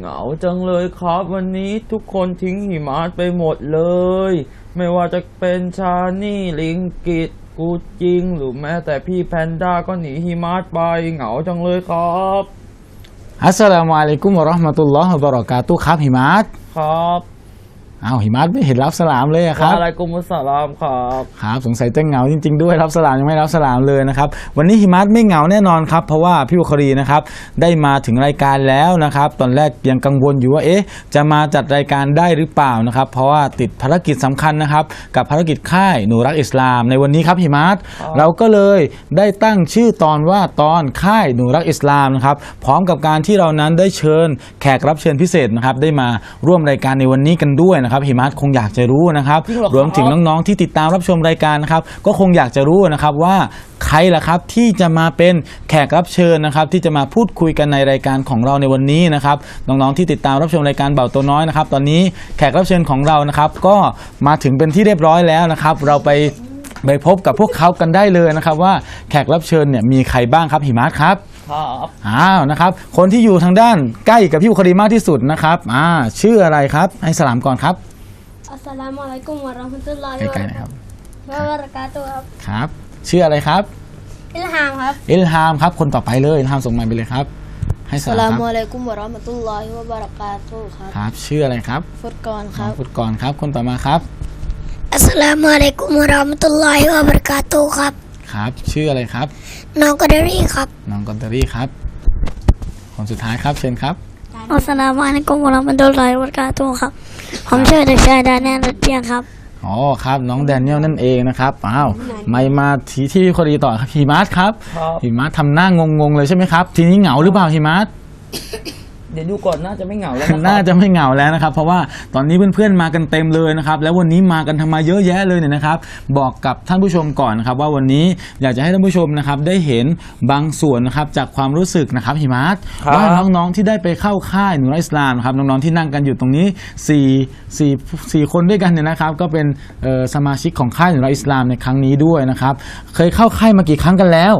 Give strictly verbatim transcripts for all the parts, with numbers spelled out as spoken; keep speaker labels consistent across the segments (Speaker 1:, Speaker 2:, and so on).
Speaker 1: เหงาจังเลยครับวันนี้ทุกคนทิ้งหิมะไปหมดเลยไม่ว่าจะเป็นชานี่ลิงกิตกูจริงหรือแม้แต่พี่แพนด้าก็หนีหิมะไปเหงาจังเลยครับ
Speaker 2: อัสสลามุอะลัยกุมวะเราะห์มะตุลลอฮ์วะบะเราะกาตุฮ์ครับหิมะ
Speaker 1: ครับ
Speaker 2: อ้าวหิมะไม่เห็นรับสลามเลยครับ
Speaker 1: อะไรกุมุสสลามครับ
Speaker 2: ครับสงสัยจะเหงาจริงๆด้วยรับสลามยังไม่รับสลามเลยนะครับวันนี้หิมะไม่เหงาแน่นอนครับเพราะว่าพี่บุครีนะครับได้มาถึงรายการแล้วนะครับตอนแรกยังกังวลอยู่ว่าเอ๊ะจะมาจัดรายการได้หรือเปล่านะครับเพราะว่าติดภารกิจสำคัญนะครับกับภารกิจค่ายหนูรักอิสลามในวันนี้ครับหิมะเราก็เลยได้ตั้งชื่อตอนว่าตอนค่ายหนูรักอิสลามนะครับพร้อมกับการที่เรานั้นได้เชิญแขกรับเชิญพิเศษนะครับได้มาร่วมรายการในวันนี้กันด้วยนะครับหิมะคงอยากจะรู้นะครับรวมถึงน้องๆที่ติดตามรับชมรายการนะครับก็คงอยากจะรู้นะครับว่าใครล่ะครับที่จะมาเป็นแขกรับเชิญนะครับที่จะมาพูดคุยกันในรายการของเราในวันนี้นะครับน้องๆที่ติดตามรับชมรายการเบาตัวน้อยนะครับตอนนี้แขกรับเชิญของเรานะครับก็มาถึงเป็นที่เรียบร้อยแล้วนะครับเราไปไปพบกับพวกเขากันได้เลยนะครับว่าแขกรับเชิญเนี่ยมีใครบ้างครับหิมะครับ
Speaker 1: ครับ
Speaker 2: อ้าวนะครับคนที่อยู่ทางด้านใกล้กับพี่บุครีมากที่สุดนะครับอ่าชื่ออะไรครับให้สลามก่อนครับ
Speaker 3: อัสสลามุอะลัยกุมวะเราะห์มะตุลลอฮิ
Speaker 2: ใกล้ๆนะครับ
Speaker 3: วะบะเราะกาตุฮ์ครับ
Speaker 2: ครับชื่ออะไรครับ
Speaker 3: อิลฮามครับ
Speaker 2: อิลฮามครับคนต่อไปเลยอิลฮามส่งมาไปเลยครับให้สลามครับอัสสลามุ
Speaker 3: อะลัยกุมวะเราะห์มะตุลลอฮิวะบะเราะกาตุฮ์ครับ
Speaker 2: ครับชื่ออะไรครับ
Speaker 3: ฟุตกรครับ
Speaker 2: ฟุตกรครับคนต่อมาครับ
Speaker 3: อัสสลามุอะลัยกุมวะเราะห์มะตุลลอฮิวะบะเราะกาตุฮ์ครับ
Speaker 2: ครับชื่ออะไรครับ
Speaker 3: น้องกอดารีครับ
Speaker 2: น้องกอดารีครับคนสุดท้ายครับเชิญครับ
Speaker 3: อัสสลามุอะลัยกุมวะเราะห์มะตุลลอฮิวะบะเราะกาตุฮ์ครับผมชื่อเด็กชายดานิเอลรัตเตียครับ
Speaker 2: อ๋อครับน้องแดเนียลนั่นเองนะครับอ้าวไม่มาทีที่พี่คนดีต่อครับหิมะครับหิมะทำหน้างงๆเลยใช่ไหมครับทีนี้เหงาหรือเปล่าหิมะ
Speaker 1: เดี๋ยวดูก่อนน่าจะไม่เหงาแล้ว
Speaker 2: น่าจะไม่เหงาแล้วนะครับเพราะว่าตอนนี้เพื่อนๆมากันเต็มเลยนะครับแล้ววันนี้มากันทำมาเยอะแยะเลยเนี่ยนะครับบอกกับท่านผู้ชมก่อนนะครับว่าวันนี้อยากจะให้ท่านผู้ชมนะครับได้เห็นบางส่วนนะครับจากความรู้สึกนะครับหิมะว่าน้องๆที่ได้ไปเข้าค่ายหนูรักอิสลามนะครับน้องๆที่นั่งกันอยู่ตรงนี้สี่สี่สี่คนด้วยกันเนี่ยนะครับก็เป็นสมาชิกของค่ายหนูรักอิสลามในครั้งนี้ด้วยนะครับเคยเข้าค่ายมากี่ครั้งกันแล้ว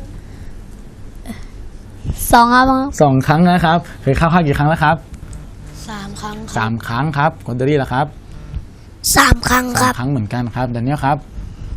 Speaker 3: สองครับ
Speaker 2: สองครั้งนะครับเคยเข้าค่ายกี่ครั้งแล้วครับ
Speaker 3: สามครั้ง
Speaker 2: สามครั้งครับคอนเดอรี่ล่ะครับ
Speaker 3: สามครั้งครับ
Speaker 2: สามครั้งเหมือนกันครับแดเนียลครับ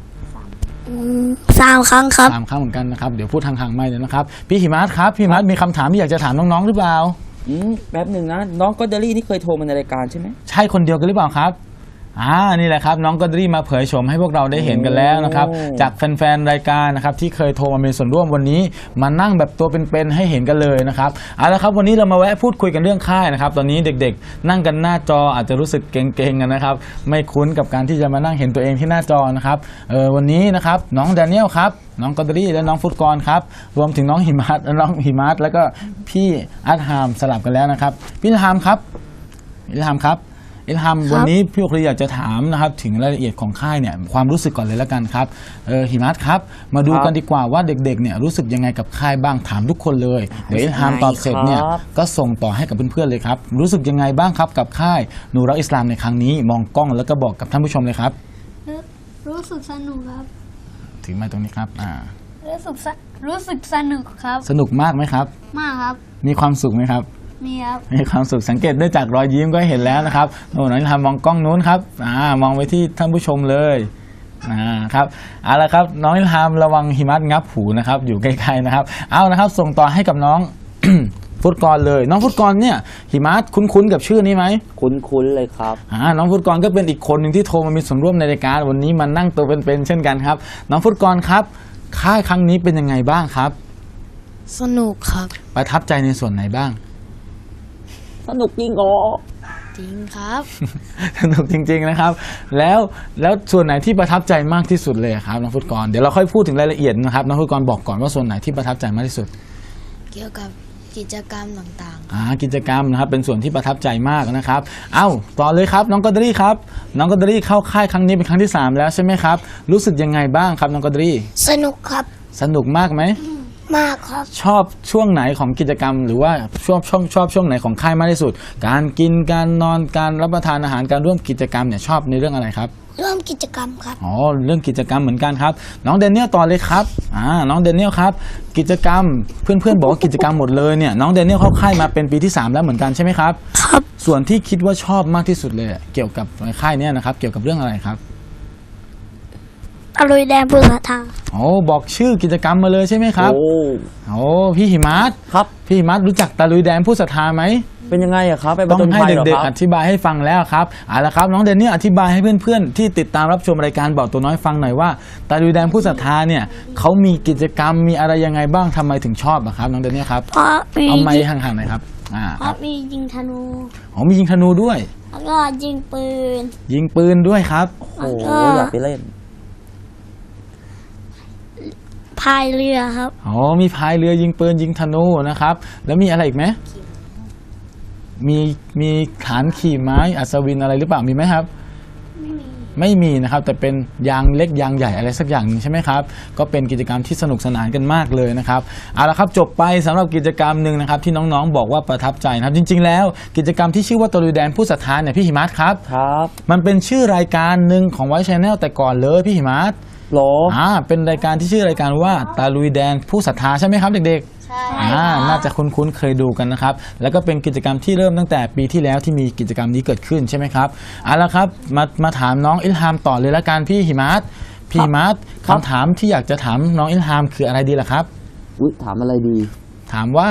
Speaker 3: สามครั้งครับ
Speaker 2: สามครั้งเหมือนกันนะครับเดี๋ยวพูดทางๆไม่เลยนะครับพี่หิมะครับพี่หิมะมีคำถามที่อยากจะถามน้องๆหรือเปล่า
Speaker 1: อืมแป๊บหนึ่งนะน้องกอดารี่นี่เคยโทรมาในรายการใช่ไหม
Speaker 2: ใช่คนเดียวกันหรือเปล่าครับอ่านี่แหละครับน้องกอดารี่มาเผยโฉมให้พวกเราได้เห็นกันแล้วนะครับจากแฟนๆรายการนะครับที่เคยโทรมาเป็นส่วนร่วมวันนี้มานั่งแบบตัวเป็นๆให้เห็นกันเลยนะครับเอาละครับวันนี้เรามาแวะพูดคุยกันเรื่องค่ายนะครับตอนนี้เด็กๆนั่งกันหน้าจออาจจะรู้สึกเกรงๆกันนะครับไม่คุ้นกับการที่จะมานั่งเห็นตัวเองที่หน้าจอนะครับเออวันนี้นะครับน้องแดเนียลครับน้องกอดารี่และน้องฟุตกรครับรวมถึงน้องหิมะและน้องหิมะแล้วก็พี่อัดฮามสลับกันแล้วนะครับพี่อิลฮามครับอิลฮามครับอิลฮัมวันนี้พี่โอคลีอยากจะถามนะครับถึงรายละเอียดของค่ายเนี่ยความรู้สึกก่อนเลยแล้วกันครับเออหิมะครับมาดูกันดีกว่าว่าเด็กๆเนี่ยรู้สึกยังไงกับค่ายบ้างถามทุกคนเลยเดี๋ยวอิลฮัมตอบเสร็จเนี่ยก็ส่งต่อให้กับเพื่อนๆเลยครับรู้สึกยังไงบ้างครับกับค่ายหนูรักอิสลามในครั้งนี้มองกล้องแล้วก็บอกกับท่านผู้ชมเลยครับ
Speaker 3: รู้สึกสนุกครับ
Speaker 2: ถึงมาตรงนี้ครับอ่า
Speaker 3: รู้สึกรู้สึกสนุกครับ
Speaker 2: สนุกมากไหมครับ
Speaker 3: มากครับ
Speaker 2: มีความสุขไหมครับ
Speaker 3: มีครับ
Speaker 2: มีความสุขสังเกตได้จากรอยยิ้มก็เห็นแล้วนะครับโอ้น้องอิลฮามมองกล้องนู้นครับอ่ามองไปที่ท่านผู้ชมเลยอ่าครับเอาละครับน้องอิลฮามระวังหิมะงับหูนะครับอยู่ใกล้ๆนะครับเอานะครับส่งต่อให้กับน้อง ฟุตกรเลยน้องฟุตกรเนี่ยหิมะคุ้นๆกับชื่อนี้ไหม
Speaker 1: คุ้นๆเลยครับ
Speaker 2: อ่าน้องฟุตกรก็เป็นอีกคนหนึ่งที่โทรมามีส่วนร่วมในรายการวันนี้มานั่งตัวเป็นๆเช่นกันครับน้องฟุตกรครับค่ายครั้งนี้เป็นยังไงบ้างครับ
Speaker 3: สนุกครับ
Speaker 2: ประทับใจในส่วนไหนบ้าง
Speaker 1: สนุกจริงอ๋อ
Speaker 3: จริงครับ
Speaker 2: สนุกจริงๆนะครับแล้วแล้วส่วนไหนที่ประทับใจมากที่สุดเลยครับน้องฟุตกรเดี๋ยวเราค่อยพูดถึงรายละเอียดนะครับน้องฟุตกรบอกก่อนว่าส่วนไหนที่ประทับใจมากที่สุด
Speaker 3: เกี่ยวกับกิจกรรมต่าง
Speaker 2: ๆอ่ากิจกรรมนะครับเป็นส่วนที่ประทับใจมากนะครับเอ้าต่อเลยครับน้องกอดารี่ครับน้องกอดารี่เข้าค่ายครั้งนี้เป็นครั้งที่สามแล้วใช่ไหมครับรู้สึกยังไงบ้างครับน้องกอดารี่
Speaker 3: สนุกครับ
Speaker 2: สนุกมากไหม
Speaker 3: มากครับ
Speaker 2: ชอบช่วงไหนของกิจกรรมหรือว่าชอบชอบชอบช่วงไหนของค่ายมากที่สุดการกินการนอนการรับประทานอาหารการร่วมกิจกรรมเนี่ยชอบในเรื่องอะไรครับ
Speaker 3: ร่วมกิจกรรมครับ
Speaker 2: อ๋อเรื่องกิจกรรมเหมือนกันครับน้องเดนเนียลต่อเลยครับอ่าน้องเดนเนียลครับกิจกรรมเพื่อนๆบอกว่ากิจกรรมหมดเลยเนี่ยน้องเดนเนียลเข้าค่ายมาเป็นปีที่สามแล้วเหมือนกันใช่ไหมครับ
Speaker 3: ครับ
Speaker 2: ส่วนที่คิดว่าชอบมากที่สุดเลยเกี่ยวกับค่ายเนี้นะครับเกี่ยวกับเรื่องอะไรครับ
Speaker 3: ตะลุยแดนภูสาทา
Speaker 2: โอ้บอกชื่อกิจกรรมมาเลยใช่ไหมครับ
Speaker 1: โอ้
Speaker 2: โอ้พี่หิมัส
Speaker 1: ครับ
Speaker 2: พี่หิมัสรู้จักตะลุยแดนผู้ศรัทธาไหม
Speaker 1: เป็นยังไงอะครับไปผ
Speaker 2: ต้อง
Speaker 1: จญ
Speaker 2: ให้
Speaker 1: ภัยเหรอ
Speaker 2: เด็ก
Speaker 1: ค
Speaker 2: ๆ
Speaker 1: รั
Speaker 2: อบ ธิบายให้ฟังแล้วครับเอาละครับน้องเดนนี่อธิบายให้เพื่อนๆที่ติดตามรับชมรายการบอกตัวน้อยฟังหน่อยว่าตะลุยแดนผู้ศรัทธาเนี่ยเขามีกิจกรรมมีอะไรยังไงบ้างทำไมถึงชอบอะครับน้องเดนนี่ครับ
Speaker 3: เพราะมี
Speaker 2: เอาไม้ห่างๆหน่อยครับอ่า
Speaker 3: เพ
Speaker 2: ครั
Speaker 3: ราะ
Speaker 2: บ
Speaker 3: มียิงธนู
Speaker 2: อ๋อมียิงธนูด้วย
Speaker 3: แล้วก็ยิงปืน
Speaker 2: ยิงปืนด้วยครับ
Speaker 1: โอ้โหอยากไปเล่น
Speaker 3: พายเรือครับ
Speaker 2: อ๋อมีพายเรือยิงปืนยิงธนูนะครับแล้วมีอะไรอีกไหมมีมีฐานขี่ไม้อัศวินอะไรหรือเปล่ามีไหมครับ
Speaker 3: ไม่มี
Speaker 2: ไม่มีนะครับแต่เป็นยางเล็กยางใหญ่อะไรสักอย่างหนึงใช่ไหมครับก็เป็นกิจกรรมที่สนุกสนานกันมากเลยนะครับเอาละครับจบไปสำหรับกิจกรรมหนึ่งนะครับที่น้องๆบอกว่าประทับใจนะครับจริงๆแล้วกิจกรรมที่ชื่อว่าตะลุยแดนผู้ศรัทธาเนี่ยพี่หิมัสครับ
Speaker 1: ครับ
Speaker 2: มันเป็นชื่อรายการหนึ่งของไวท์ชแนลแต่ก่อนเลยพี่หิมัส
Speaker 1: โหล
Speaker 2: อ่าเป็นรายการที่ชื่อรายการว่าตะลุยแดนผู้ศรัทธาใช่ไหมครับเด็กๆ
Speaker 3: ใช่
Speaker 2: อ่าน่าจะคุ้นๆเคยดูกันนะครับแล้วก็เป็นกิจกรรมที่เริ่มตั้งแต่ปีที่แล้วที่มีกิจกรรมนี้เกิดขึ้นใช่ไหมครับเอาละครับมามาถามน้องอิลฮามต่อเลยละกันพี่หิมัสพี่หิมัสคำถามที่อยากจะถามน้องอิลฮามคืออะไรดีล่ะครับ
Speaker 1: อุ๊ยถามอะไรดี
Speaker 2: ถามว่า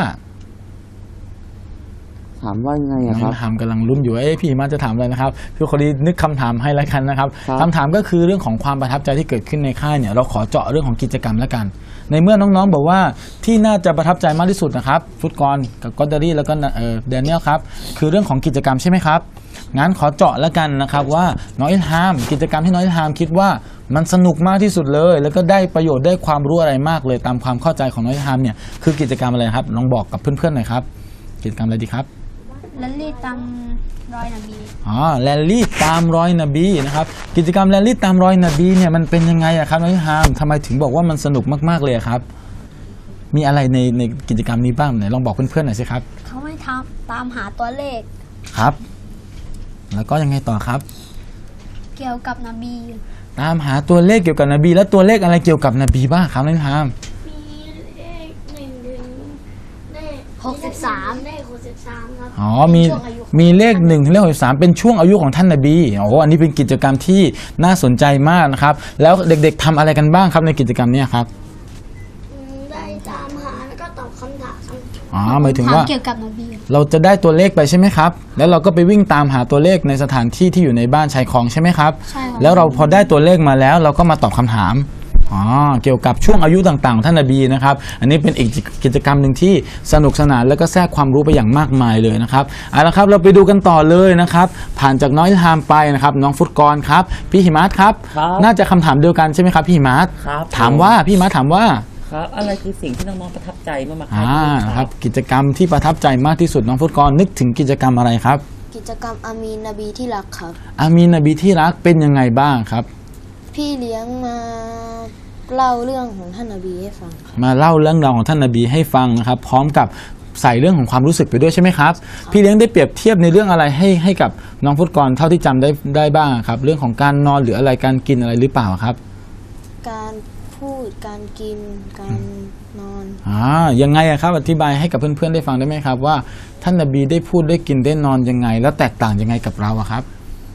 Speaker 1: ถามว่ายังไง
Speaker 2: น้อง
Speaker 1: อะค
Speaker 2: อิ
Speaker 1: รับ
Speaker 2: ลฮามกำลังลุ้นอยู่ว่าเอ้พี่หิมัสจะถามอะไรนะครับพี่คนนี้นึกคำถามให้ละกันนะครับ
Speaker 1: ครับ
Speaker 2: คำถามก็คือเรื่องของความประทับใจที่เกิดขึ้นในค่ายเนี่ยเราขอเจาะเรื่องของกิจกรรมละกัน ในเมื่อน้องๆบอกว่าที่น่าจะประทับใจมากที่สุดนะครับฟุตกรกับกอดเดอรี่แล้วก็เอ่อแดเนียลครับคือเรื่องของกิจกรรมใช่ไหมครับงั้นขอเจาะแล้วกันนะครับว่าน้องอิลฮามกิจกรรมที่น้องอิลฮามคิดว่ามันสนุกมากที่สุดเลย แล้วก็ได้ประโยชน์ได้ความรู้อะไรมากเลยตามความเข้าใจของน้องอิลฮามเนี่ยคือกิจกรรมอะไรครับลองบอกกับเพื่อนๆหน่อยครับกิจกรรมอะไรดีครับ
Speaker 3: ลันลี่ตามรอยนบี
Speaker 2: อ๋อแรลลี่ตามรอยนบีนะครับกิจกรรมแรลลี่ตามรอยนบีเนี่ยมันเป็นยังไงอะครับน้องอิลฮามทำไมถึงบอกว่ามันสนุกมากๆเลยอะครับมีอะไรในในกิจกรรมนี้บ้างไหนลองบอกเพื่อนๆหน่อยสิครับ
Speaker 3: เขาไม่ทำตามหาตัวเลข
Speaker 2: ครับ แล้วก็ยังไงต่อครับ
Speaker 3: เกี่ยวกับนบี
Speaker 2: ตามหาตัวเลขเกี่ยวกับนบี แล้วตัวเลขอะไรเกี่ยวกับนบีบ้างครับน้องอิลฮาม
Speaker 3: มีเลขหนึ่งถึงเลขหกสิบสามเลขหกสิบสามครับ
Speaker 2: อ๋อมี
Speaker 3: ช่วงอายุ
Speaker 2: มีเลขหนึ่งถึงเลขหกสิบสามเป็นช่วงอายุของท่านนบีโอ้โหอันนี้เป็นกิจกรรมที่น่าสนใจมากนะครับแล้วเด็กๆทำอะไรกันบ้างครับในกิจกรรมเนี้ครับ
Speaker 3: อืมได้ตามหาแล้วก็ตอบคำถาม
Speaker 2: อ๋อหมายถึงว่า
Speaker 3: เกี่ยวกับนบี
Speaker 2: เราจะได้ตัวเลขไปใช่ไหมครับ แล้วเราก็ไปวิ่งตามหาตัวเลขในสถานที่ที่อยู่ในบ้านชายคลองใช่ไหมครับ
Speaker 3: ใช่ครับ
Speaker 2: แล้วเราพอได้ตัวเลขมาแล้ว เราก็มาตอบคำถาม อ๋อ เกี่ยวกับช่วงอายุต่างๆของท่านนบีนะครับ อันนี้เป็นอีกกิจกรรมหนึ่งที่สนุกสนานแล้วก็แทรกความรู้ไปอย่างมากมายเลยนะครับ เอาละครับเราไปดูกันต่อเลยนะครับ ผ่านจากน้องอิลฮามไปนะครับ น้องฟุตกรครับ พี่หิมัสครับ
Speaker 1: ครับ
Speaker 2: น่าจะคำถามเดียวกันใช่ไหมครับพี่หิมัส
Speaker 1: ครับ
Speaker 2: ถามว่าพี่หิมัสถามว่า
Speaker 1: ครับอะไรคือสิ่งที่น้องๆประทับใจเมื่อมา
Speaker 2: อ่า
Speaker 1: ค่ายที่นี่
Speaker 2: ครับกิจกรรมที่ประทับใจมากที่สุดน้องฟุตกรนึกถึงกิจกรรมอะไรครับ
Speaker 4: กิจกรรมอามีนนบีที่รักครับ
Speaker 2: อามีนนบีที่รักเป็นยังไงบ้างครับ
Speaker 4: พี่เลี้ยงมาเล่าเรื่องของท่านนบีให้ฟังครับ
Speaker 2: มาเล่าเรื่องราวของท่านนบีให้ฟังนะครับ พร้อมกับใส่เรื่องของความรู้สึกไปด้วยใช่ไหมครับ พี่เลี้ยงได้เปรียบเทียบในเรื่องอะไรให้ให้กับน้องฟุตกรเท่าที่จำได้ได้บ้างครับ เรื่องของการนอนหรืออะไรการกินอะไรหรือเปล่าครับ
Speaker 4: การพูดการกินการนอน
Speaker 2: อ่ายังไงอะครับอธิบายให้กับเพื่อนๆได้ฟังได้ไหมครับว่าท่านนบีได้พูดได้กินได้นอนยังไง แล้วแตกต่างยังไงกับเราอะครับ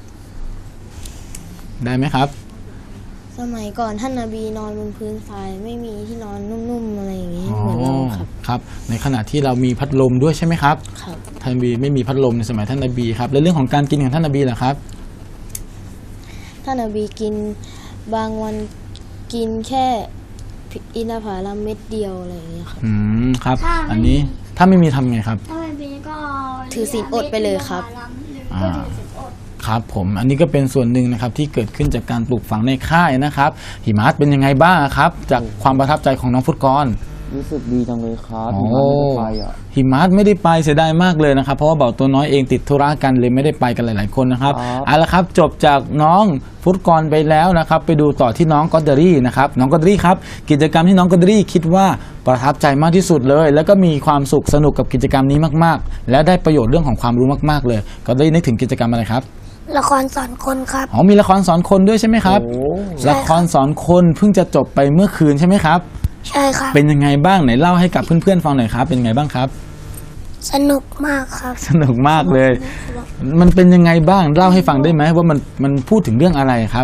Speaker 2: ได้ไหมครับ
Speaker 4: สมัยก่อนท่านนบีนอนบนพื้นทรายไม่มีที่นอนนุ่มๆอะไรอย่างนี้เหมือนเราครับ
Speaker 2: ครับในขณะที่เรามีพัดลมด้วยใช่ไหมครับ
Speaker 4: ครับ
Speaker 2: ท่านนบีไม่มีพัดลมในสมัยท่านนบีครับแล้วเรื่องของการกินของท่านนบีล่ะครับ
Speaker 4: ท่านนบีกินบางวันกินแค่อินทผลัมเม็ดเดียวอะไรอย่างเงี้ยครับ
Speaker 2: อืมครับ
Speaker 3: ถ้าไม่
Speaker 2: อันนี้ถ้าไม่มีทำไงครับ
Speaker 3: ถ้าไม่เป็นก็
Speaker 4: ถือศีลอดไปเลยครับ
Speaker 2: อ่าครับผมอันนี้ก็เป็นส่วนหนึ่งนะครับที่เกิดขึ้นจากการปลูกฝังในค่ายนะครับหิมะเป็นยังไงบ้างครับ จากความประทับใจของน้องฟุตกร
Speaker 1: รู้สึกดีจังเลยครับ
Speaker 2: โอ้
Speaker 1: ที่มาไม่ได้ไปอ่ะ
Speaker 2: หิมะไม่ได้ไปเสียดายมากเลยนะครับเพราะว่าเบาตัวน้อยเองติดธุระกันเลยไม่ได้ไปกันหลาย ๆคนนะครับ
Speaker 1: ครับ
Speaker 2: เอาละครับจบจากน้องฟุตกรไปแล้วนะครับไปดูต่อที่น้องกอดเดอรี่นะครับน้องกอดเดอรี่ครับกิจกรรมที่น้องกอดเดอรี่คิดว่าประทับใจมากที่สุดเลย แล้วก็มีความสุขสนุกกับกิจกรรมนี้มากๆ และได้ประโยชน์เรื่องของความรู้มากๆเลยกอดเดอรี่นึกถึงกิจกรรมอะไรครับ
Speaker 3: เละครสอนคนครับ
Speaker 2: อ๋อมีละครสอนคนด้วยใช่ไหมครับ
Speaker 1: โอ้
Speaker 2: ละครสอนคนเพิ่งจะจบไปเมื่อคืนใช่ไหมครับ
Speaker 3: ใช่ครับ
Speaker 2: เป็นยังไงบ้างไหนเล่าให้กับเพื่อนๆฟังหน่อยครับเป็นยังไงบ้างครับ
Speaker 3: สนุกมากครับ
Speaker 2: สนุกมากเลย มันเป็นยังไงบ้างเล่าให้ฟังได้ไหมว่ามันมันพูดถึงเรื่องอะไรครับ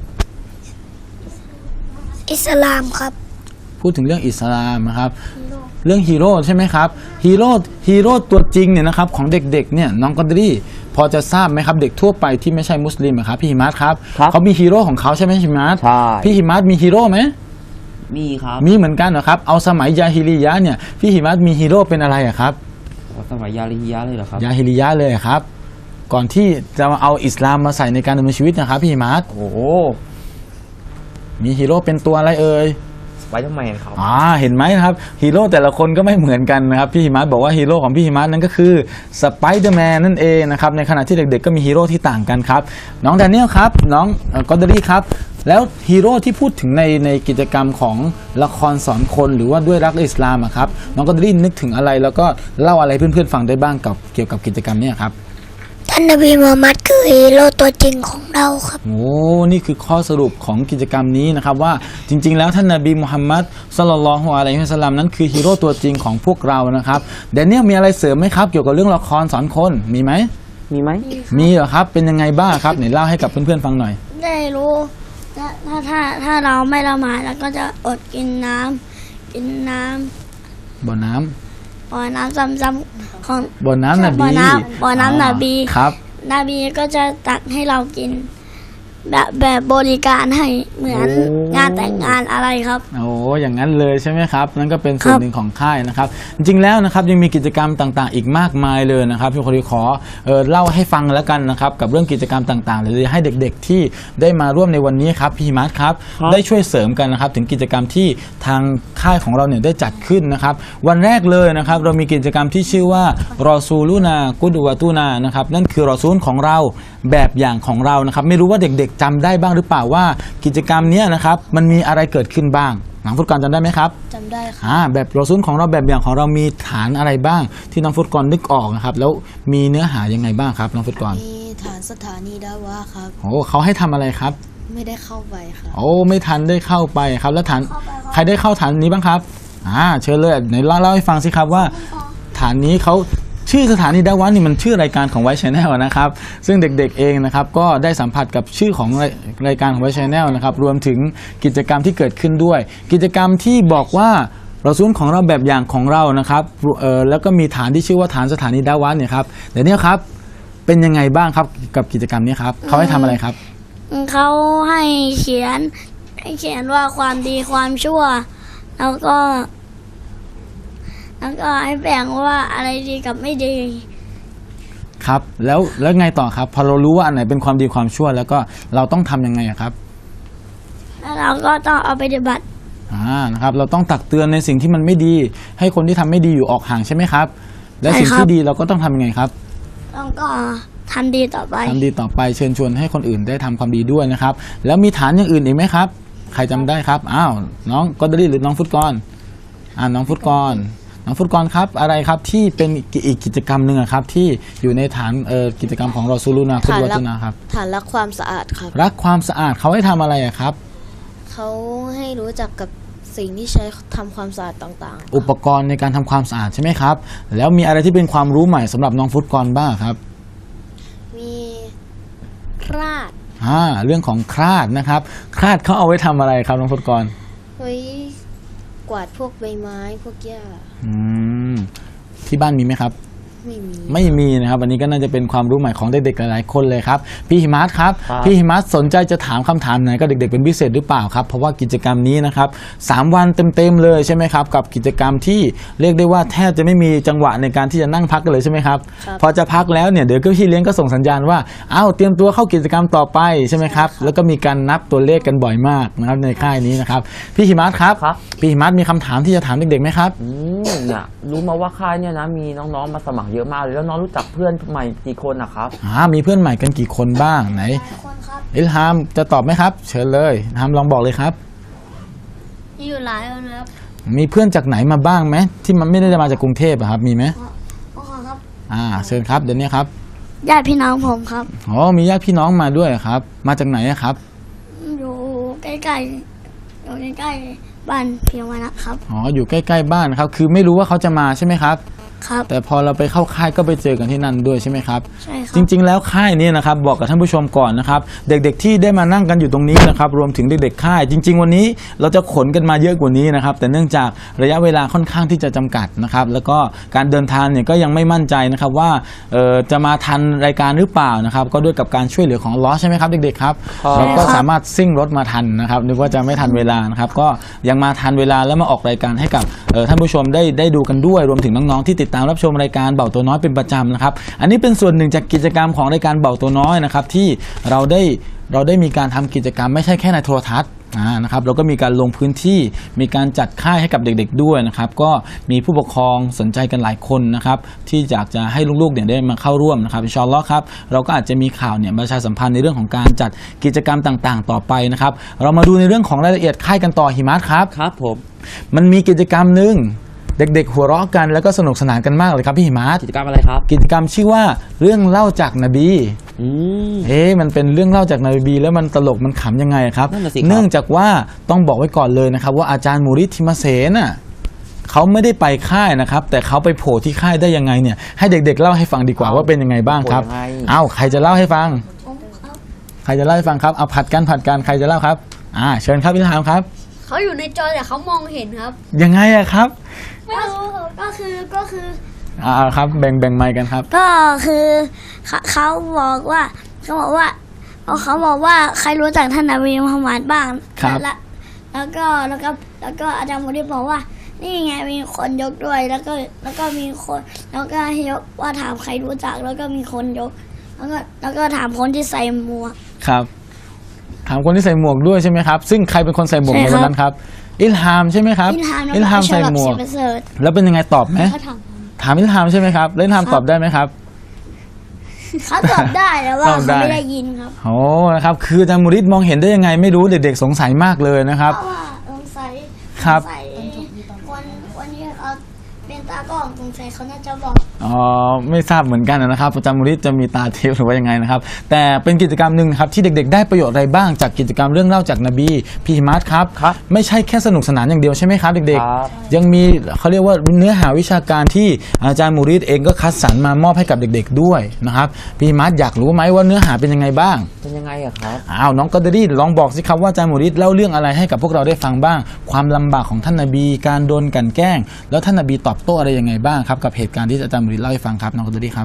Speaker 3: อิสลามครับ
Speaker 2: พูดถึงเรื่องอิสลามนะครับเรื่องฮีโร่ใช่ไหมครับฮีโร่ฮีโร่ตัวจริงเนี่ยนะครับของเด็กๆเนี่ยน้องกอดรี่พอจะทราบไหมครับเด็กทั่วไปที่ไม่ใช่มุสลิมอะครับพี่หิมัสครับ
Speaker 1: ครับ
Speaker 2: เขามีฮีโร่ของเขาใช่ไหมหิมัส
Speaker 1: ใช่
Speaker 2: พี่หิมัสมีฮีโร่ไหม
Speaker 1: มีครับ
Speaker 2: มีเหมือนกันเหรอครับเอาสมัยยาฮิลิยะห์เนี่ยพี่หิมัสมีฮีโร่เป็นอะไรอะครับ
Speaker 1: สมัยยาลิฮิยะเลยเหรอครับ
Speaker 2: ยาฮิลิยะห์เลยอะครับ ก่อนที่จะมาเอาอิสลามมาใส่ในการดำเนินชีวิตนะครับพี่หิมัส
Speaker 1: โอ้โห
Speaker 2: มีฮีโร่เป็นตัวอะไรเอ่ย
Speaker 1: สไปเดอร์แมนครับ
Speaker 2: อ่าเห็นไหมครับฮีโร่แต่ละคนก็ไม่เหมือนกันนะครับพี่หิมัสบอกว่าฮีโร่ของพี่หิมัสนั่นก็คือสไปเดอร์แมนนั่นเองนะครับในขณะที่เด็กๆก็มีฮีโร่ที่ต่างกันครับน้องแดเนียลครับน้องกอดรี่ครับแล้วฮีโร่ที่พูดถึงในในกิจกรรมของละครสอนคนหรือว่าด้วยรักอิสลามอะครับน้องกอดรี่นึกถึงอะไรแล้วก็เล่าอะไรเพื่อนๆฟังได้บ้างกับเกี่ยวกับกิจกรรมเนี้ครับ
Speaker 3: ท่านนบีมูฮัมมัดคือฮีโร่ตัวจริงของเราครับ
Speaker 2: โอ้นี่คือข้อสรุปของกิจกรรมนี้นะครับว่าจริงๆแล้วท่านนบีมุฮัมมัดศ็อลลัลลอฮุอะลัยฮิวะซัลลัมนั้นคือฮีโร่ตัวจริงของพวกเรานะครับแดเนียลมีอะไรเสริมไหมครับเกี่ยวกับเรื่องละครสอนคนมีไหม
Speaker 1: มีไหม
Speaker 2: มีเหรอครับเป็นยังไงบ้างครับไหนเล่าให้กับเพื่อนๆฟังหน่อย
Speaker 3: ได้รู้ถ้าถ้าถ้าถ้าเราไม่ละหมาดแล้วก็จะอดกินน้ำกินน้ำ
Speaker 2: บ่อน้ำ
Speaker 3: บ่อน้ำซ้ำๆของ
Speaker 2: บ่อน้ำนบี
Speaker 3: บ่อน้ำบ่อน้ำนบี
Speaker 2: ครับ
Speaker 3: นบีก็จะตักให้เรากิน แบบแบบบริการให้เหมือน
Speaker 1: โอ้
Speaker 3: งานแต่งงานอะไรครับ
Speaker 2: โอ้อย่างนั้นเลยใช่ไหมครับนั่นก็เป็นส่วน
Speaker 3: ครับ
Speaker 2: หนึ่งของค่ายนะครับจริงๆแล้วนะครับยังมีกิจกรรมต่างๆ อีกมากมายเลยนะครับพี่คนดีขอเออเล่าให้ฟังแล้วกันนะครับกับเรื่องกิจกรรมต่างๆเลยให้เด็กๆที่ได้มาร่วมในวันนี้ครับพี่หิมัสครับ
Speaker 1: ครับ
Speaker 2: ได้ช่วยเสริมกันนะครับถึงกิจกรรมที่ทางค่ายของเราเนี่ยได้จัดขึ้นนะครับวันแรกเลยนะครับเรามีกิจกรรมที่ชื่อว่ารอซูลูนากุดวะตูนานะครับนั่นคือรอซูลของเราแบบอย่างของเรานะครับไม่รู้ว่าเด็กๆจำได้บ้างหรือเปล่าว่ากิจกรรมเนี้ยนะครับมันมีอะไรเกิดขึ้นบ้างน้องฟุตกรจำได้ไหมครับ
Speaker 4: จำได้ค่ะ
Speaker 2: อ่าแบบรอซูลของเราแบบอย่างของเรามีฐานอะไรบ้าง ที่น้องฟุตกรนึกออกนะครับแล้วมีเนื้อหายังไงบ้างครับน้องฟุตกร
Speaker 4: มีฐานสถานีดาวะครับ
Speaker 2: โอ้เขาให้ทำอะไรครับ
Speaker 4: ไม่ได้เข้าไปค่ะ
Speaker 2: โอ้ไม่ทันได้เข้าไปครับแล้วฐานใครได้เข้าฐานนี้บ้างครับอ่าเชิญเลยไหนเล่าเล่าให้ฟังสิครับว่า ฐานนี้เขาชื่อสถานีดาวะนี่มันชื่อรายการของไวท์ชแนลนะครับซึ่งเด็กๆเองนะครับก็ได้สัมผัสกับชื่อของรายรายการของไวท์ชแนลนะครับรวมถึงกิจกรรมที่เกิดขึ้นด้วย กิจกรรมที่บอกว่าเราซูลของเราแบบอย่างของเรานะครับเอ่อแล้วก็มีฐานที่ชื่อว่าฐานสถานีดาวะเนี่ยครับเดี๋ยวนี้ครับเป็นยังไงบ้างครับกับกิจกรรมนี้ครับเขาให้ทำอะไรครับ
Speaker 3: เขาให้เขียนให้เขียนว่าความดีความชั่ว แล้วก็ แล้วก็ให้แบ่งว่าอะไรดีกับไม่ดี
Speaker 2: ครับแล้วแล้วไงต่อครับพอเรารู้ว่าอันไหนเป็นความดีความชั่ว แล้วก็เราต้องทำยังไงอะครับ
Speaker 3: แล้วเราก็ต้องเอาไปปฏิบัติ
Speaker 2: อ่านะครับเราต้องตักเตือนในสิ่งที่มันไม่ดี ให้คนที่ทำไม่ดีอยู่ออกห่างใช่ไหมครับ และ
Speaker 3: ใช่
Speaker 2: สิ่ง
Speaker 3: ครับ
Speaker 2: ที่ดีเราก็ต้องทำยังไงครับ
Speaker 3: ต้องก็ทำดีต่อไป
Speaker 2: ทำดีต่อไปเชิญชวนให้คนอื่นได้ทำความดีด้วยนะครับแล้วมีฐานอย่างอื่นอีกไหมครับ ใครจำได้ครับอ้าวน้องกอดรี่หรือน้องฟุตกรอ่าน้องฟุตกรน้องฟุตกรครับอะไรครับที่เป็นอีกกิจกรรมหนึ่งอะครับที่อยู่ในฐานเอ่อกิจกรรมของรอซูลูนาคุ
Speaker 4: ฐาน
Speaker 2: วะ
Speaker 4: รั
Speaker 2: ตุนาครับ
Speaker 4: ฐานรักความสะอาดครับ
Speaker 2: รักความสะอาดเขาให้ทำอะไรอะครับ
Speaker 4: เขาให้รู้จักกับสิ่งที่ใช้ทำความสะอาดต่างๆ
Speaker 2: อุปกรณ์ในการทำความสะอาดใช่ไหมครับแล้วมีอะไรที่เป็นความรู้ใหม่สำหรับน้องฟุตกรบ้างครับ
Speaker 4: มีคราด
Speaker 2: อ่าเรื่องของคราดนะครับคราดเขาเอาไว้ทำอะไรครับน้องฟุตกร
Speaker 4: ไว้กวาดพวกใบไม้พวกหญ้า
Speaker 2: อืมที่บ้านมีไหมครับ
Speaker 4: ไม่มี
Speaker 2: ไม่มีนะครับอันนี้ก็น่าจะเป็นความรู้ใหม่ของเด็กๆหลายๆคนเลยครับพี่หิมัสครับ
Speaker 1: ครับ
Speaker 2: พี่หิมัสสนใจจะถามคำถามไหนก็เด็กๆเป็นพิเศษหรือเปล่าครับเพราะว่ากิจกรรมนี้นะครับสามวันเต็มๆเลยใช่ไหมครับกับกิจกรรมที่เรียกได้ว่าแทบจะไม่มีจังหวะในการที่จะนั่งพักกันเลยใช่ไหมครับ
Speaker 4: ครับ
Speaker 2: พอจะพักแล้วเนี่ยเดี๋ยวก็พี่เลี้ยงก็ส่งสัญญาณว่าอ้าวเตรียมตัวเข้ากิจกรรมต่อไปใช่ไหมครับแล้วก็มีการนับตัวเลขกันบ่อยมากนะครับในค่ายนี้นะครับพี่หิมัสครับ
Speaker 1: ครับ
Speaker 2: พี่หิมัสมีคำถามที่จะถามเด็กๆไหมครับ
Speaker 1: อืมเนี่ยรู้มาว่าค่ายเนี่ยนะมีน้องๆมาสมัครเยอะมากเลยแล้วน้องรู้จักเพื่อนใหม่กี่คนนะครับ
Speaker 2: อ่ามีเพื่อนใหม่กันกี่คนบ้างไหน
Speaker 3: คนครับ
Speaker 2: อิลฮามจะตอบไหมครับ เชิญเลยอิลฮามลองบอกเลยครับ
Speaker 3: มีอยู่หลายคนครับ
Speaker 2: มีเพื่อนจากไหนมาบ้างไหมที่มันไม่ได้มาจากกรุงเทพอะครับมีไหม
Speaker 3: พ่อครับ
Speaker 2: อ่าเชิญครับเดี๋ยวนี้ครับ
Speaker 3: ญาติพี่น้องผมครับ
Speaker 2: อ๋อมีญาติพี่น้องมาด้วยครับ มาจากไหนอะครับ
Speaker 3: อยู่ใกล้ๆอยู่ใกล้ๆบ้านเพียงวันนะครับ
Speaker 2: อ๋ออยู่ใกล้ๆบ้านครับคือไม่รู้ว่าเขาจะมาใช่ไหมครับ
Speaker 3: ครับ
Speaker 2: แต่พอเราไปเข้าค่ายก็ไปเจอกันที่นั่นด้วยใช่ไหมครับ
Speaker 3: ใช่ครับ
Speaker 2: จริงๆแล้วค่ายนี้นะครับบอกกับท่านผู้ชมก่อนนะครับเด็กๆที่ได้มานั่งกันอยู่ตรงนี้นะครับรวมถึงเด็กๆค่าย จริง ๆ วันนี้เราจะขนกันมาเยอะกว่านี้นะครับแต่เนื่องจากระยะเวลาค่อนข้างที่จะจำกัดนะครับแล้วก็การเดินทางเนี่ยก็ยังไม่มั่นใจนะครับว่าเอ่อจะมาทันรายการหรือเปล่านะครับก็ด้วยกับการช่วยเหลือของอัลเลาะห์ใช่ไหมครับเด็กๆครับ
Speaker 1: ครับ
Speaker 2: เราก็สามารถซิ่งรถมาทันนะครับนึกว่าจะไม่ทันเวลานะครับก็ยังมาทันเวลาแล้วมาออกรายการให้กับเอ่อท่านผู้ชมได้ได้ดูกันด้วยรวมถึงน้องๆที่ติดตามรับชมรายการเบาตัวน้อยเป็นประจำนะครับอันนี้เป็นส่วนหนึ่งจากกิจกรรมของรายการเบาตัวน้อยนะครับที่เราได้เราได้มีการทำกิจกรรมไม่ใช่แค่ในโทรทัศน์อ่านะครับเราก็มีการลงพื้นที่มีการจัดค่ายให้กับเด็กๆด้วยนะครับก็มีผู้ปกครองสนใจกันหลายคนนะครับที่อยากจะให้ลูกๆเนี่ยได้มาเข้าร่วมนะครับอินชาอัลเลาะห์ครับเราก็อาจจะมีข่าวเนี่ยประชาสัมพันธ์ในเรื่องของการจัดกิจกรรมต่างๆ ต่อไปนะครับเรามาดูในเรื่องของรายละเอียดค่ายกันต่อหิมัสครับ
Speaker 1: ครับผม
Speaker 2: มันมีกิจกรรมหนึ่งเด็กๆหัวเราะกันแล้วก็สนุกสนานกันมากเลยครับพี่หิมัส
Speaker 1: กิจกรรมอะไรครับ
Speaker 2: กิจกรรมชื่อว่าเรื่องเล่าจากนบี
Speaker 1: อืม
Speaker 2: เอ๊ะมันเป็นเรื่องเล่าจากนบีแล้วมันตลกมันขำยังไงครับ
Speaker 1: นั่นน่ะสิครับ
Speaker 2: เนื่องจากว่าต้องบอกไว้ก่อนเลยนะครับว่าอาจารย์มูริดทิมาเสนน่ะเขาไม่ได้ไปค่ายนะครับแต่เขาไปโผล่ที่ค่ายได้ยังไงเนี่ยให้เด็กๆเล่าให้ฟังดีกว่าว่าเป็นยังไงบ้างครับ
Speaker 1: โผล่ยังไง
Speaker 2: เอ้าใครจะเล่าให้ฟังใครจะเล่าให้ฟังครับเอาผัดกันผัดกันใครจะเล่าครับอ่าเชิญครับพี่ถามครับ
Speaker 5: เขาอยู่ในจอแต่เขามองเห็นครับ
Speaker 2: ยังไงอะครับ
Speaker 3: ไม่รู้ก็คือก็คือ
Speaker 2: อ่าครับแบ่งแบ่งไมค์กันครับ
Speaker 3: ก็คือเขาเขาบอกว่าเขาบอกว่าเขาเขาบอกว่าใครรู้จักท่านนบีมุฮัมมัดบ้าง
Speaker 2: ครับ
Speaker 3: แล้วแล้วก็แล้วก็แล้วก็อาจารย์มุดีบอกว่า นี่ไงมีคนยกด้วยแล้วก็แล้วก็มีคนแล้วก็ให้ยกว่าถามใครรู้จักแล้วก็มีคนยก แล้วก็แล้วก็ถามคนที่ใส่หมวก
Speaker 2: ครับถามคนที่ใส่หมวกด้วยใช่ไหมครับซึ่งใครเป็นคนใส่หมวก
Speaker 3: ใช่
Speaker 2: ใน
Speaker 3: ครับ
Speaker 2: วันนั้นครับอิลฮามใช่ไหมครับ
Speaker 3: อินทามแล้ว
Speaker 2: อิล
Speaker 3: ก็
Speaker 2: ฮาม
Speaker 3: ช
Speaker 2: ใส่
Speaker 3: ลับ
Speaker 2: หมว
Speaker 3: เสี
Speaker 2: ก
Speaker 3: ยประเสริฐ
Speaker 2: แล้วเป็นยังไงตอบไหม
Speaker 5: เขาถาม
Speaker 2: ถามอิลฮามใช่ไหมครับแล้วอิลฮามตอบได้ไหมครับ
Speaker 3: เขาตอบได้แต่ว่า
Speaker 2: ตอบได้
Speaker 3: เขาไม่ได้ยินครับ
Speaker 2: โอ้นะครับคืออาจารย์มูริดมองเห็นได้ยังไงไม่รู้เด็กๆสงสัยมากเลยนะครับ
Speaker 3: เพราะว่าสงสัย
Speaker 2: ครับ
Speaker 3: สงสัยคนคนนี้เขาเป็นตากล้องสงสัยเขาน่าจะบอก
Speaker 2: อ๋อไม่ทราบเหมือนกันนะครับอาจารย์มูริดจะมีตาทิพย์หรือว่ายังไงนะครับแต่เป็นกิจกรรมหนึ่งครับที่เด็กๆ ได้ประโยชน์อะไรบ้างจากกิจกรรมเรื่องเล่าจากนบีพี่หิมัสครับ
Speaker 1: ครับ
Speaker 2: ไม่ใช่แค่สนุกสนานอย่างเดียวใช่ไหมครับเด็ก
Speaker 1: ครับ
Speaker 2: ๆ ยังมีเขาเรียกว่าเนื้อหาวิชาการที่อาจารย์มูริดเองก็คัดสรรมามอบให้กับเด็กๆด้วยนะครับพี่หิมัสอยากรู้ไหมว่าเนื้อหาเป็นยังไงบ้าง
Speaker 1: เป็นยังไงอะครับ
Speaker 2: อ้าวน้องกอดเดอรี่ลองบอกสิครับว่าอาจารย์มูริดเล่าเรื่องอะไรให้กับพวกเราได้ฟังบ้าง ความลำบากของท่านนบีการโดนกลั่นแกล้ง แล้วท่านนบีตอบโต้อะไรยังไงบ้างครับกับเหตุการณ์ที่อาจารย์มูริดเล่าให้ฟังครับน้องกอดเดอรี่ครับ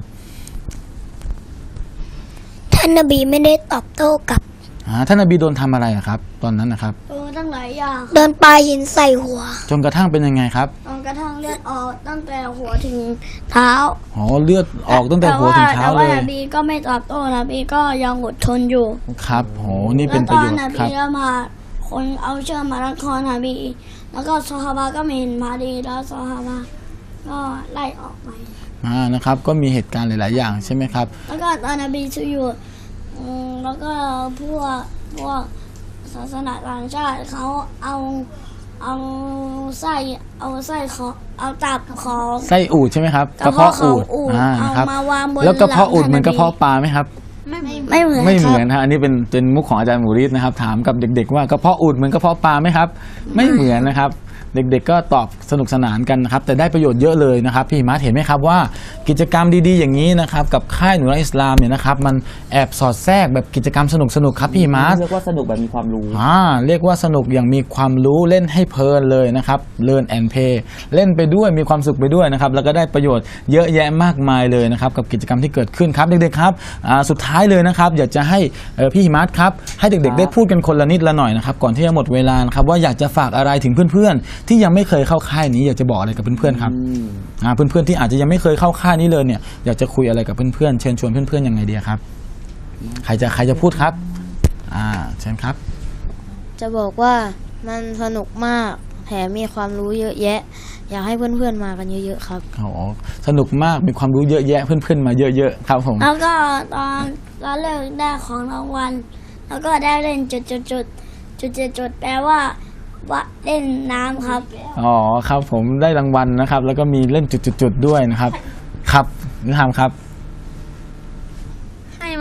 Speaker 3: ท่านนบีไม่ได้ตอบโต้กับ
Speaker 2: อ่าท่านนบีโดนทำอะไรอะครับ ตอนนั้นนะครับ
Speaker 3: โดนตั้งหลายอย่างโดนปลาหินใส่หัว
Speaker 2: จนกระทั่งเป็นยังไงครับ
Speaker 3: จนกระทั่งเลือดออกตั้งแต่หัวถึงเท้า
Speaker 2: อ๋อเลือดออกตั้งแต่หัวถึงเท้า
Speaker 3: แต่
Speaker 2: เล
Speaker 3: ว่าย นบีก็ไม่ตอบโต้นบีก็ยังอดทนอยู่
Speaker 2: ครับโหนี่
Speaker 3: แล้
Speaker 2: เป็
Speaker 3: วน
Speaker 2: ป
Speaker 3: ต
Speaker 2: ระ
Speaker 3: อ
Speaker 2: โย
Speaker 3: น
Speaker 2: ช
Speaker 3: น
Speaker 2: น์ค
Speaker 3: บี
Speaker 2: รับ
Speaker 3: แล้วมาคนเอาเชือกมารัดคอนบี แล้วก็ซอฮาบะก็ไม่เห็นพอดีแล้วซอฮาบะก็ไล่ออกไป
Speaker 2: อ่านะครับก็มีเหตุการณ์หลาย ๆ อย่างใช่ไหมครับ
Speaker 3: แล้วก็ตอนนบีชูอยู่อืมแล้วก็พวกพวกศาสนาต่างชาติเขาเอาเอาไส้เอาไส้ของเอาตับของ
Speaker 2: ไส้อูดใช่ไหมครับ
Speaker 3: กระเพาะของอูฐ
Speaker 2: อ่า
Speaker 3: เอา
Speaker 2: ครับ
Speaker 3: มาวางบน
Speaker 2: แล้วกระเพาะอูด
Speaker 3: หลัง
Speaker 2: เหมือนกระเพาะปลาไหมครับ
Speaker 5: ไม่เหมือน
Speaker 3: ไม่เหมือน
Speaker 2: ไม่เห
Speaker 3: ค
Speaker 2: มื
Speaker 3: รั
Speaker 2: อบ นฮะอันนี้เป็นเป็นมุกของอาจารย์มูริดนะครับถามกับเด็กๆว่ากระเพาะอูดเหมือนกระเพาะปลาไหมครับไม่เหมือนนะครับเด็กๆก็ตอบสนุกสนานกันนะครับแต่ได้ประโยชน์เยอะเลยนะครับพี่หิมัสเห็นไหมครับว่ากิจกรรมดีๆอย่างนี้นะครับกับค่ายหนูรักอิสลามเนี่ยนะครับมันแอบสอดแทรกแบบกิจกรรมสนุกๆครับพี่หิมัส
Speaker 1: เรียกว่าสนุกแบบมีความรู้
Speaker 2: อ่าเรียกว่าสนุกอย่างมีความรู้เล่นให้เพลินเลยนะครับ Learn and Play เล่นไปด้วยมีความสุขไปด้วยนะครับแล้วก็ได้ประโยชน์เยอะแยะมากมายเลยนะครับกับกิจกรรมที่เกิดขึ้นครับเด็กๆครับอ่าสุดท้ายเลยนะครับอยากจะให้เอ่อพี่หิมัสครับให้เด็กๆได้พูดกันคนละนิดละหน่อยนะครับก่อนที่จะหมดเวลานะครับว่าอยากจะฝากอะไรถึงเพื่อนๆที่ยังไม่เคยเข้าค่ายนี้อยากจะบอกอะไรกับเพื่อนๆครับ
Speaker 1: อืม
Speaker 2: อ่าเพื่อนๆที่อาจจะยังไม่เคยเข้าค่ายนี้เลยเนี่ยอยากจะคุยอะไรกับเพื่อนๆเชิญชวนเพื่อนๆยังไงดีครับใครจะใครจะพูดครับอ่าเชิญครับ
Speaker 4: จะบอกว่ามันสนุกมากแถมมีความรู้เยอะแยะ อยากให้เพื่อนๆมากันเยอะๆครับ
Speaker 2: โอ้โหสนุกมากมีความรู้เยอะแยะเพื่อนๆมาเยอะๆครับผม
Speaker 3: แล้วก็ตอนตอนเลิกได้ของรางวัลแล้วก็ได้เล่นจุดจุดจุดจุดจุดจุดแปลว่าว่าเล่นน้ำครับ
Speaker 2: อ๋อครับผมได้รางวัลนะครับ แล้วก็มีเล่นจุดๆๆด้วยนะครับ ครับนิทามครับ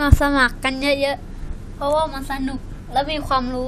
Speaker 5: มาสมัครกันเยอะๆ เพราะว่ามันสนุกและมีความรู้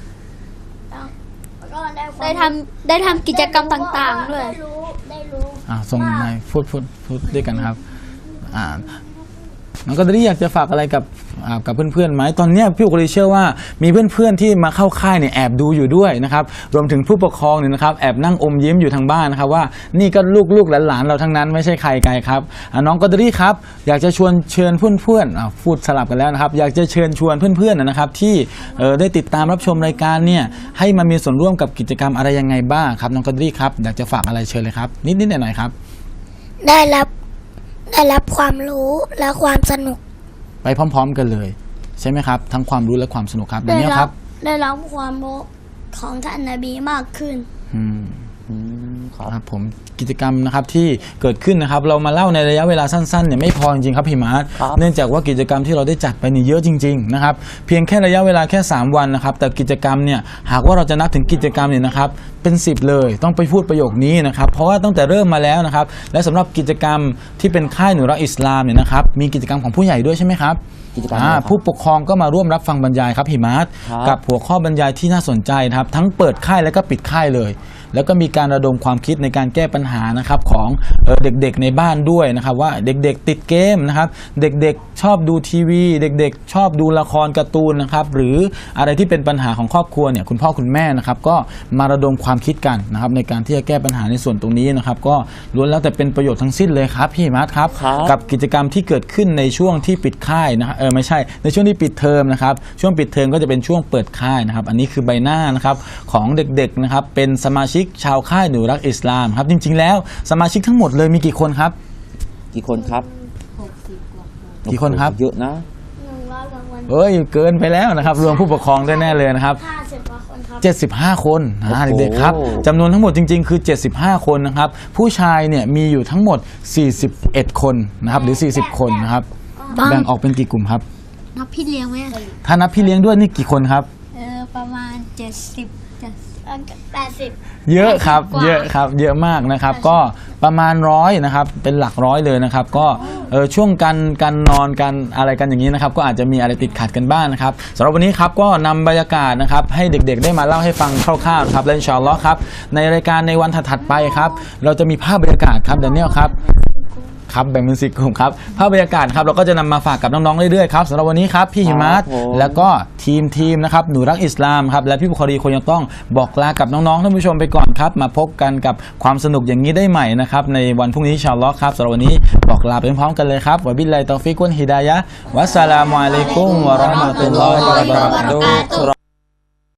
Speaker 3: แล้วก็ได้ความ
Speaker 5: ได้ทำได้ทำกิจกรรมต่างๆด้วย
Speaker 3: ได้รู้ได้รู้
Speaker 2: อ่าส่งนายพูดพูดพูดด้วยกันครับอ่าน้องก็ได้อยากจะฝากอะไรกับอ่ากับเพื่อนๆไหมตอนเนี้ยพี่อุกฤษเชื่อว่ามีเพื่อนๆที่มาเข้าค่ายเนี่ยแอบดูอยู่ด้วยนะครับรวมถึงผู้ปกครองเนี่ยนะครับแอบนั่งอมยิ้มอยู่ทางบ้านนะครับว่านี่ก็ลูกๆหลานๆเราทั้งนั้นไม่ใช่ใครไกลครับอ่าน้องก็ได้ครับอยากจะชวนเชิญเพื่อนๆอ่าพูดสลับกันแล้วนะครับอยากจะเชิญชวนเพื่อนๆนะครับที่เอ่อได้ติดตามรับชมรายการเนี่ยให้มามีส่วนร่วมกับกิจกรรมอะไรยังไงบ้างครับน้องก็ได้ครับอยากจะฝากอะไรเชิญเลยครับนิดๆหน่อยๆครับ
Speaker 3: ได้รับได้รับความรู้และความสนุก
Speaker 2: ไปพร้อมๆกันเลยใช่ไหมครับทั้งความรู้และความสนุกครับเดี๋ยว
Speaker 3: ได้
Speaker 2: นี้
Speaker 3: รั
Speaker 2: ครับ
Speaker 3: ได้รับความรู้ของท่านนบีมากขึ้น
Speaker 2: อืม
Speaker 1: อืมครับ
Speaker 2: ครับผมกิจกรรมนะครับที่เกิดขึ้นนะครับเรามาเล่าในระยะเวลาสั้นๆเนี่ยไม่พอจริงๆครับพี่มาร์ท
Speaker 1: ครับ
Speaker 2: เนื่องจากว่ากิจกรรมที่เราได้จัดไปนี่เยอะจริงๆนะครับเพียงแค่ระยะเวลาแค่สามวันนะครับแต่กิจกรรมเนี่ยหากว่าเราจะนับถึงกิจกรรมเนี่ยนะครับเป็นสิบเลยต้องไปพูดประโยคนี้นะครับเพราะว่าตั้งแต่เริ่มมาแล้วนะครับและสำหรับกิจกรรมที่เป็นค่ายหนูรักอิสลามเนี่ยนะครับมีกิจกรรมของผู้ใหญ่ด้วยใช่ไหมครับ
Speaker 1: กิจกรรม
Speaker 2: อ่า
Speaker 1: อะไรครับ
Speaker 2: ผู้ปกครองก็มาร่วมรับฟังบรรยายครับพี่มาร์ท
Speaker 1: ครับ
Speaker 2: กับหัวข้อบรรยายที่น่าสนใจนะครับทั้งเปิดค่ายและก็ปิดค่ายเลย แล้วก็มีการระดมความคิดในการแก้ปัญหานะครับของเอ่อเด็กๆในบ้านด้วยนะครับว่าเด็กๆติดเกมนะครับเด็กๆชอบดูทีวี เด็กๆ ชอบดูละครการ์ตูนนะครับหรืออะไรที่เป็นปัญหาของครอบครัวเนี่ยคุณพ่อคุณแม่นะครับก็มาระดมความคิดกันนะครับในการที่จะแก้ปัญหาในส่วนตรงนี้นะครับก็ล้วนแล้วแต่เป็นประโยชน์ทั้งสิ้นเลยครับพี่มาร์ทครับ
Speaker 1: ครับ
Speaker 2: กับกิจกรรมที่เกิดขึ้นในช่วงที่ปิดค่ายนะครับเออไม่ใช่ในช่วงที่ปิดเทอมนะครับช่วงปิดเทอมก็จะเป็นช่วงเปิดค่ายนะครับอันนี้คือใบหน้านะครับของเด็กๆนะครับเป็นสมาชิกชาวค่ายหนูรักอิสลามครับจริงๆแล้วสมาชิกทั้งหมดเลยมีกี่คนครับ
Speaker 1: กี่คนครับ
Speaker 2: กี่คนครับ
Speaker 1: โอ้โหเยอะนะ
Speaker 3: หนึ่งร้อยกว่าคน
Speaker 2: เอ้ยเกินไปแล้วนะครับรวมผู้ปกครองด้วยแน่เลยนะครับ
Speaker 3: ห้าสิบกว่าคนครับ
Speaker 2: เจ็ดสิบห้าคนนะ
Speaker 1: โอ้โห
Speaker 2: เด็กๆครับจำนวนทั้งหมดจริงๆคือเจ็ดสิบห้าคนนะครับผู้ชายเนี่ยมีอยู่ทั้งหมดสี่สิบเอ็ดคนนะครับหรือสี่สิบคนนะครับแบ่งออกเป็นกี่กลุ่มครับ
Speaker 5: นับพี่เลี้ยงไหม
Speaker 2: ถ้านับพี่เลี้ยงด้วยนี่กี่คนครับ
Speaker 5: เออประมาณเจ็ดสิบจะ
Speaker 3: แปดสิบ
Speaker 2: เยอะครับ
Speaker 5: กว่า
Speaker 2: เยอะครับเยอะมากนะครับก็ประมาณร้อยนะครับเป็นหลักร้อยเลยนะครับก็เออช่วงการการนอนการอะไรกันอย่างนี้นะครับก็อาจจะมีอะไรติดขัดกันบ้างนะครับสำหรับวันนี้ครับก็นำบรรยากาศนะครับให้เด็กๆได้มาเล่าให้ฟังคร่าวๆนะครับและอินชาอัลลอฮ์ครับในรายการในวันถัดๆไปครับเราจะมีภาพบรรยากาศครับแดเนียลครับครับแบ่งเป็นสี่กลุ่มครับภาพบรรยากาศครับเราก็จะนำมาฝากกับน้องๆเรื่อยๆครับสำหรับวันนี้ครับพี่หิมัต
Speaker 1: ครับผม
Speaker 2: แล้วก็ทีมทีมนะครับหนูรักอิสลามครับและพี่บุคคลีคงยังต้องบอกลากับน้องๆท่านผู้ชมไปก่อนครับมาพบกันกับความสนุกอย่างนี้ได้ใหม่นะครับในวันพรุ่งนี้อินชาอัลลอฮ์ครับสำหรับวันนี้บอกลาไปพร้อมๆกันเลยครับวะบิลลาฮิตอฟิกวัลฮิดายะฮ์วัสสลามุอะลัยกุมวะเราะห์มะตุลลอฮิวะบะเราะกาตุฮ์